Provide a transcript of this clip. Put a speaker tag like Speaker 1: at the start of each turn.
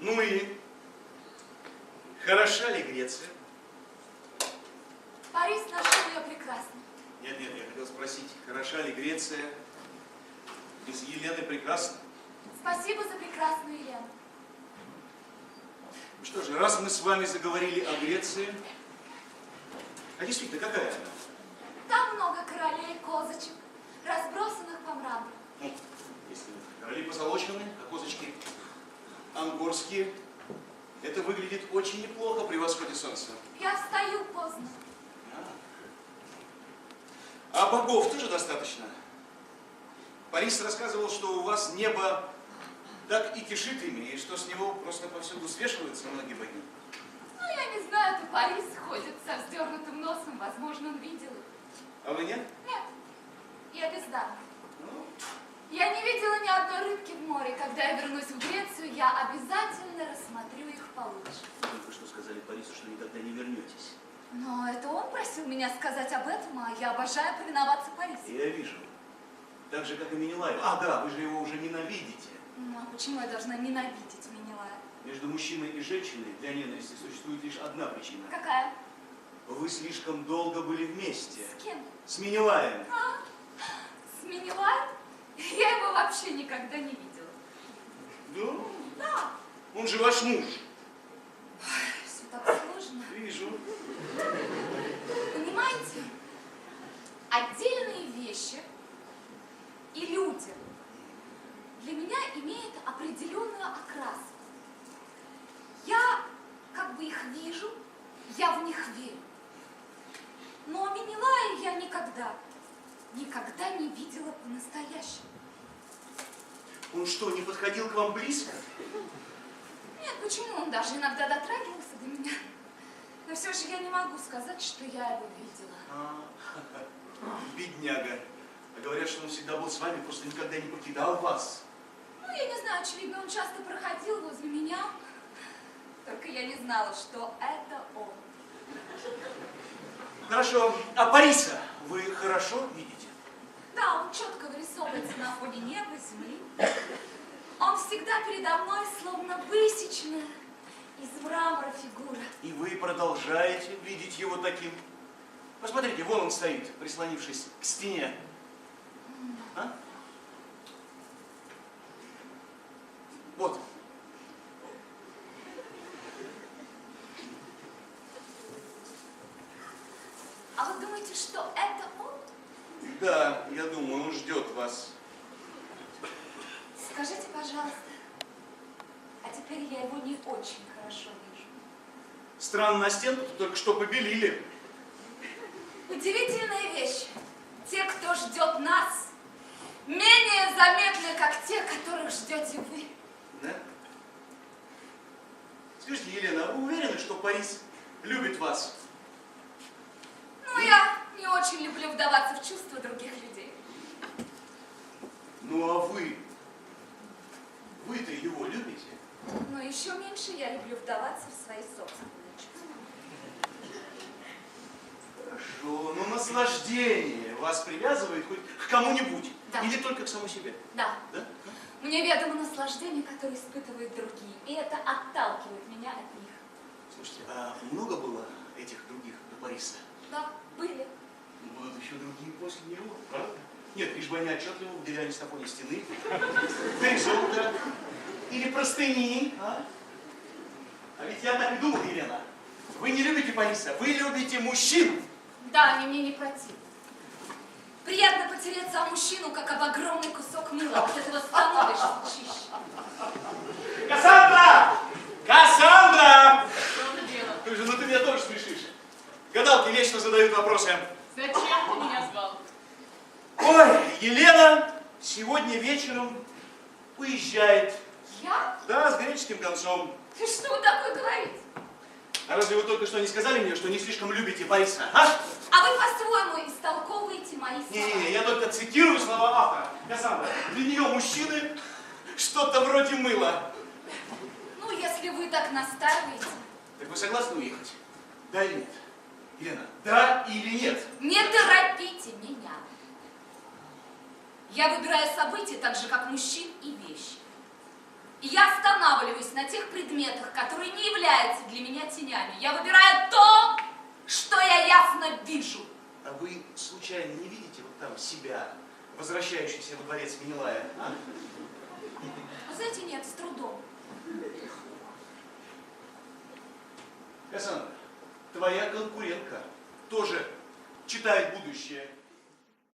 Speaker 1: Ну и хороша ли Греция?
Speaker 2: Парис нашел ее прекрасно.
Speaker 1: Нет, я хотел спросить, хороша ли Греция без Елены прекрасна?
Speaker 2: Спасибо за прекрасную Елену.
Speaker 1: Ну что же, раз мы с вами заговорили о Греции, а действительно, какая она?
Speaker 2: Там много королей, козочек, разбросанных по мрамору.
Speaker 1: Ну, если короли позолочены, а козочки ангорские, это выглядит очень неплохо при восходе солнца.
Speaker 2: Я встаю поздно.
Speaker 1: А богов тоже достаточно? Парис рассказывал, что у вас небо так и кишит ими, и что с него просто повсюду свешиваются многие боги.
Speaker 2: Ну, я не знаю, то Парис ходит со вздернутым носом, возможно, он видел их.
Speaker 1: А вы нет?
Speaker 2: Нет, я бездарна.
Speaker 1: Ну,
Speaker 2: Я не видела ни одной рыбки в море. Когда я вернусь в Грецию, я обязательно рассмотрю их получше.
Speaker 1: вы только что сказали Парису, что никогда не вернетесь.
Speaker 2: Но это он просил меня сказать об этом, а я обожаю повиноваться Парису.
Speaker 1: Я вижу. Так же, как и Менелаев. А, да, вы же его уже ненавидите.
Speaker 2: Ну, а почему я должна ненавидеть Менелая?
Speaker 1: Между мужчиной и женщиной для ненависти существует лишь одна причина.
Speaker 2: Какая?
Speaker 1: Вы слишком долго были вместе.
Speaker 2: С кем?
Speaker 1: С Менелаем.
Speaker 2: А, с Менелаем? Я его вообще никогда не видела.
Speaker 1: Да?
Speaker 2: Да.
Speaker 1: Он же ваш муж.
Speaker 2: Все так сложно.
Speaker 1: Вижу.
Speaker 2: Понимаете? Отдельные вещи и люди для меня имеют определенную окраску. Я как бы их вижу, я в них верю. Но Менелая я никогда не видела по-настоящему.
Speaker 1: Он что, не подходил к вам близко?
Speaker 2: Нет, почему? Он даже иногда дотрагивался до меня. Но все же я не могу сказать, что я его видела.
Speaker 1: Бедняга. А говорят, что он всегда был с вами, просто никогда не покидал вас.
Speaker 2: Ну, я не знаю, очевидно, он часто проходил возле меня. Только я не знала, что это он.
Speaker 1: Хорошо. А Париса вы хорошо видите?
Speaker 2: Да, он четко вырисовывается на фоне неба, земли. Он всегда передо мной, словно высеченная из мрамора фигура.
Speaker 1: И вы продолжаете видеть его таким? Посмотрите, вон он стоит, прислонившись к стене. А? Вот.
Speaker 2: А вы думаете, что это он?
Speaker 1: Да, я думаю, он ждет вас.
Speaker 2: Скажите, пожалуйста, а теперь я его не очень хорошо вижу.
Speaker 1: Странно, на стенку только что побелили.
Speaker 2: Удивительная вещь. Те, кто ждет нас, менее заметны, как те, которых ждете вы.
Speaker 1: Да? Скажите, Елена, а вы уверены, что Парис любит вас?
Speaker 2: Ну, я не очень люблю вдаваться в чувства других людей.
Speaker 1: Ну, а вы? Вы-то его любите?
Speaker 2: Но еще меньше я люблю вдаваться в свои собственные чувства.
Speaker 1: Хорошо, но наслаждение вас привязывает хоть к кому-нибудь?
Speaker 2: Да.
Speaker 1: Или только к самому себе?
Speaker 2: Да.
Speaker 1: Да?
Speaker 2: Мне ведомо наслаждение, которое испытывают другие, и это отталкивает меня от них.
Speaker 1: Слушайте, а много было этих других до Париса?
Speaker 2: Да, были.
Speaker 1: Будут еще другие после него, правда? Нет, лишь бы они отчетливо выделялись на фоне стены. Горизонта. Или простыни. А ведь я так и думал, Елена. Вы не любите Париса, вы любите мужчин.
Speaker 2: Да, они мне не противны. Приятно потереться о мужчину, как об огромный кусок мыла. От этого становишься чище.
Speaker 1: Кассандра! Кассандра!
Speaker 3: Что за дело?
Speaker 1: Слушай, ну ты меня тоже смешишь. Гадалки вечно задают вопросы.
Speaker 3: Зачем ты меня звал?
Speaker 1: Ой, Елена сегодня вечером уезжает.
Speaker 2: Я?
Speaker 1: Да, с греческим концом.
Speaker 2: Ты что вы такое говорите?
Speaker 1: А разве вы только что не сказали мне, что не слишком любите Париса, а?
Speaker 2: А вы по-своему истолковываете мои слова.
Speaker 1: Не, я только цитирую слова автора. Кассандра, для нее мужчины что-то вроде мыла.
Speaker 2: Ну, если вы так настаиваете.
Speaker 1: Так вы согласны уехать? Да или нет? Елена, да или нет?
Speaker 2: Не торопите меня. Я выбираю события так же, как мужчин и вещи. И я останавливаюсь на тех предметах, которые не являются для меня тенями. Я выбираю то, что я ясно вижу.
Speaker 1: А вы случайно не видите вот там себя, возвращающийся во дворец Менелая? А?
Speaker 2: Вы знаете, нет, с трудом.
Speaker 1: Кассандра, твоя конкурентка тоже читает будущее.